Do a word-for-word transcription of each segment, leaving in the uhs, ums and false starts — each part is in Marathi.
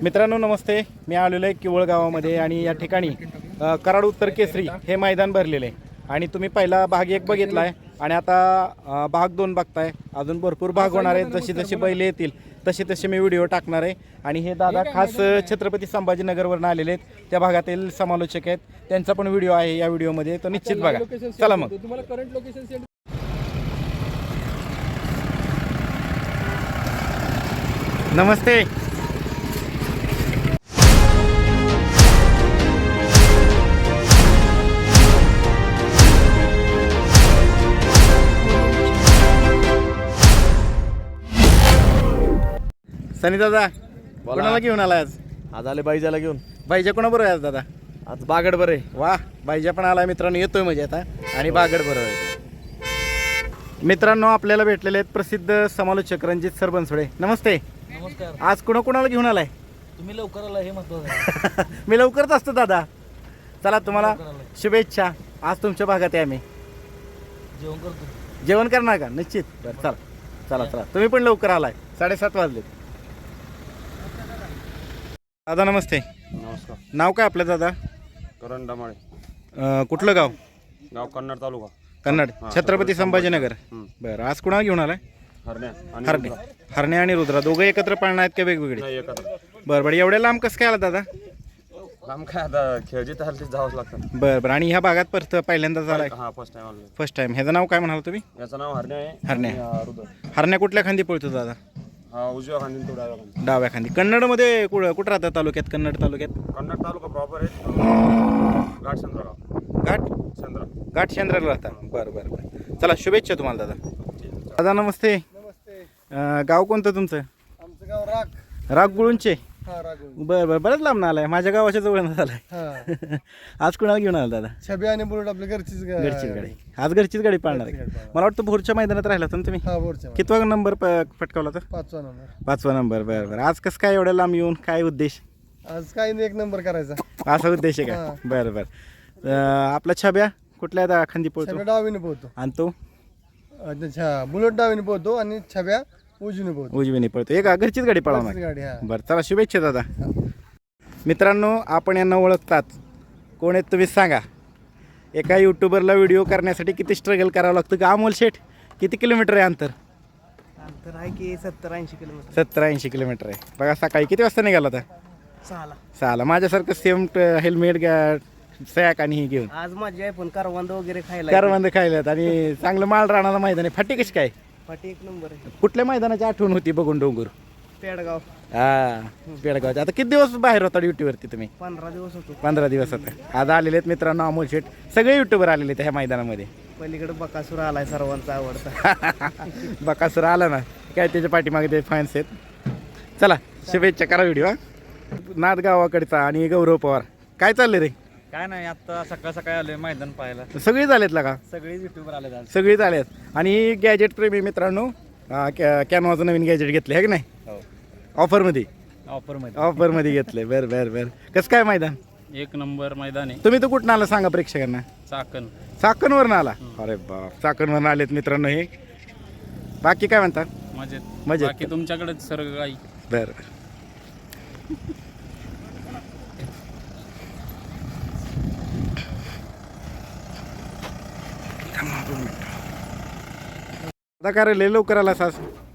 मित्रांनो नमस्ते, मी आलेलो आहे किवळ गावामध्ये आणि या ठिकाणी अ, कराड उत्तर केसरी हे मैदान भरलेले आहे आणि तुम्ही पहिला भाग एक बघितला आहे आणि आता अ, भाग दोन बघताय. अजून भरपूर भाग होणार आहेत. जशी जशी बैल येतील तसे तसे मी व्हिडिओ टाकणार आहे. आणि हे दादा खास छत्रपती संभाजीनगरवरून आलेले आहेत, त्या भागातील समालोचक आहेत. त्यांचा पण व्हिडिओ आहे या व्हिडिओमध्ये, तो निश्चित बघा. चला मग. तुम्हाला करंट लोकेशन सेंड नमस्ते. सनी दादा कोणाला घेऊन आला आज? आज आले बाईजाला घेऊन. बाईजा कोणाबरोबर आहे आज दादा? आज बागड बरे. वा, बाईजा पण आला मित्रांनो, येतोय म्हणजे आता. आणि बागड बरोबर आहे. मित्रांनो आपल्याला भेटलेले आहेत प्रसिद्ध समालोचक रणजित सर बनसोडे. नमस्ते. नमस्कार. आज कुणा कुणाला घेऊन आलाय? तुम्ही लवकर आला हे महत्वाचं आहे. मी लवकरच असतो दादा. चला तुम्हाला लवकर आलाय. शुभेच्छा. आज तुमच्या भागात आहे आम्ही. जेवण करतो. जेवण करणार का? निश्चित. बरं चला चला चला तुम्ही पण लवकर आलाय. साडेसात वाजले. दादा नमस्ते. नमस्कार. नाव काय आपलं दादा? करण डमाळे. अं, कुठलं गाव? गाव कन्नड तालुका. कन्नड. हा, छत्रपती संभाजीनगर. हम्म. बरं आज कुणाला घेऊन आलाय? हरण्या आणि हरणे. रुद्रा. हरणे आणि रुद्रा दोघं एकत्र पाळणार आहेत का वेगवेगळे? नाही एकत्र. बरं बरं. एवढ्या लांब कसं काय आला दादा? काम काय आता खेळ जिथं हलतीच जावंच लागतं. बरं बरं. आणि ह्या भागात परत पहिल्यांदाच आलाय? हा फर्स्ट टाइम आलो. First time. ह्याचं नाव काय म्हणाल तुम्ही? याचं नाव हरण्या आहे. हरण्या. आणि हा रुद्र. हरण्या कुठल्या खांदी पळतो दादा? हा उजव्या खांदी तो डाव्या खांदी. डाव्या खांदी. कन्नडमध्ये कुठं कुठं राहतात तालुक्यात? कन्नड तालुक्यात कन्नड तालुका प्रॉपर आहे. घाट चंद्रगाव. घाट चंद्र. घाट शेंद्राला राहतात. बरं बरं बरं. चला शुभेच्छा तुम्हाला दादा. दादा नमस्ते. नमस्ते. अं, गाव कोणतं तुमचं? आमचं गाव राग. राग गुळूंचे. हा राग. बरं बरं. बरंच लांब आलाय. माझ्या गावाच्या जवळ आलाय. हा. आज कुणाला घेऊन आला दादा? छबी आणि बुलेट आपल्या घरचीच गा- घरचीच गाडी. आज घरचीच गाडी पाळणार आहे. घरची गाडी पाळणार. मला वाटतं भोरच्या मैदानात राहिला होता ना तुम्ही? हा बोरच्या. कितवा नंबर प- पटकावला तर? पाचवा नंबर. पाचवा नंबर. बरं बरं. आज कसं काय एवढ्या लांब येऊन काय उद्देश? आज काही नाही, एक नंबर करायचा. असा उद्देश आहे का? हा. बरं बरं. अं, आपला छब्या कुठल्या दा- खांदी पळतो? छब्या डावीने पोहतो. आणि तो अच्छा, बुलेट डावीने पोहतो आणि छब्या उजवीने पोहतो. उजवीने पळतो. एक घरचीच गाडी पळवणार. घरचीच गाडी. हा. बरं चला शुभेच्छा दादा. मित्रांनो आपण यांना ओळखतात. कोण आहेत तुम्ही सांगा? एका यूट्यूबरला व्हिडिओ करण्यासाठी किती स्ट्रगल करावं लागतं का अमोल शेठ? किती किलोमीटर आहे अंतर? अंतर आहे की सत्तर ऐंशी किलोमीटर. सत्तर ऐंशी किलोमीटर आहे. बघा सकाळी किती वाजता निघाला होता? सहाला. सहाला. माझ्यासारखं सेम हेल्मेट सॅक आणि हे घेऊन आज माझी आहे पण करवंद वगैरे खायला. करवंद खायल्यात आणि चांगलं माळ राहणारा मैदान आहे. फाटी कशी काय? पाठी एक नंबर आहे. कुठल्या मैदानाची आठवण होती बघून डोंगर? पेडगाव. हा पेडगावचे. आता किती दिवस बाहेर होता ड्युटीवरती तुम्ही? पंधरा दिवस होतो. पंधरा दिवस होते. आज आलेले आहेत मित्रांनो अमोल शेठ. सगळे युट्यूबर आलेले आहेत ह्या मैदानामध्ये. पलीकडे बकासूर आलाय सर्वांचा आवडता. बकासूर आला ना काय त्याच्या पाठीमागे ते फॅन्स आहेत. चला शुभेच्छा करा व्हिडिओ. नाथ गावाकडचा आणि गौरव पवार काय चाललंय रे? काय नाही, आता सकाळ सकाळी आले मैदान पाहायला. सगळीच आलेत का? सगळे युट्यूबर आले आज. सगळीच आलेत. आणि गॅजेट प्रेमी मित्रांनो कॅनवाचं नवीन गॅजेट घेतले आहे की नाही? ऑफरमध्ये. ऑफरमध्ये ऑफरमध्ये घेतले. बरं बरं बरं. कसं काय मैदान? एक नंबर मैदान आहे. तुम्ही तर कुठून आला सांगा प्रेक्षकांना? चाकण. चाकणवरून आला? अरे बाप, चाकणवरून आलेत मित्रांनो हे. बाकी काय म्हणतात? मजेत. मजेत. बाकी तुमच्याकडेच सर्व काही. बरं. आता काय रे लय लवकर आला सास?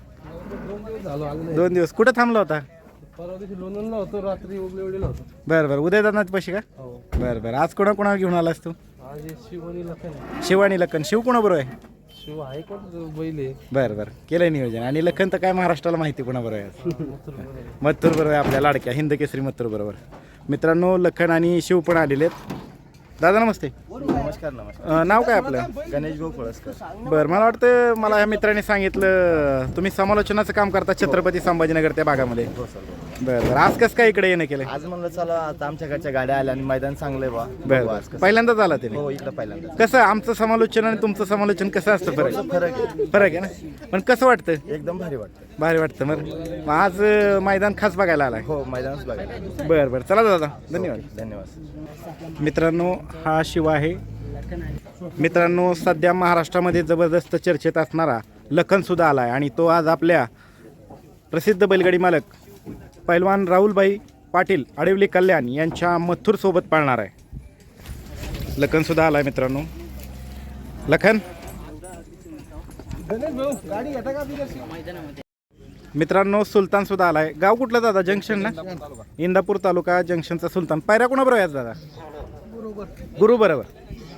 दोन दिवस कुठं थांबला होता? परवा दिवशी लोणंदला होतो, रात्री उगलेवडीला होतो. बरं बरं. उद्या जाणार पैसे का? हो. बरं बरं. आज कोणा कोणाला घेऊन आलास तू? आज हे शिव आणि लखन आहे. शिव आणि लखन. शिव कोणाबरोबर आहे? शिव आहे कोण बैल आहे. बरं बरं. केलंय नियोजन. आणि लखन तर काय महाराष्ट्राला माहिती कोणाबरोबर आहे? मथुर बरोबर आहे, आपल्या लाडक्या हिंद केसरी मथुर बरोबर. मित्रांनो लखन आणि शिव पण आलेले आहेत. दादा नमस्ते. नमस्कार. नमस्कार. अं, नाव काय आपलं? गणेश भाऊ पळसकर. बरं. मला वाटतं मला ह्या मित्राने सांगितलं तुम्ही समालोचनाचं काम करता छत्रपती संभाजीनगर त्या भागामध्ये. हो सर. बरं बरं. आज कसं काय इकडे येणं केलं? आज म्हणलं चला आता आमच्याकडच्या गाड्या आल्या आणि मैदान चांगलं आहे बा. बरं बरं. पहिल्यांदाच आला ते? हो इकडं पहिल्यांदा. कसं आमचं समालोचन आणि तुमचं समालोचन कसं असतं? फरक फरक आहे. फरक आहे ना. पण कसं वाटतं? एकदम भारी वाटतं. भारी वाटतं. बरं मग आज अं, मैदान खास बघायला आलाय? हो मैदानच बघायला. बरं बरं. चला दादा धन्यवाद. धन्यवाद. मित्रांनो हा शिव आहे. मित्रांनो सध्या महाराष्ट्रामध्ये जबरदस्त चर्चेत असणारा लखन सुद्धा आला आहे आणि तो आज आपल्या प्रसिद्ध बैलगाडी मालक पैलवान राहुलभाई पाटील आडिवली कल्याण यांच्या मथुर सोबत पाळणार आहे. लखन सुद्धा आलाय मित्रांनो. लखन मित्रांनो सुलतान सुद्धा आलाय. गाव कुठलं दादा? जंक्शन ना, इंदापूर तालुका जंक्शनचा सुलतान. पायऱ्या कोणाबरोबर आहेत दादा? गुरु बरोबर.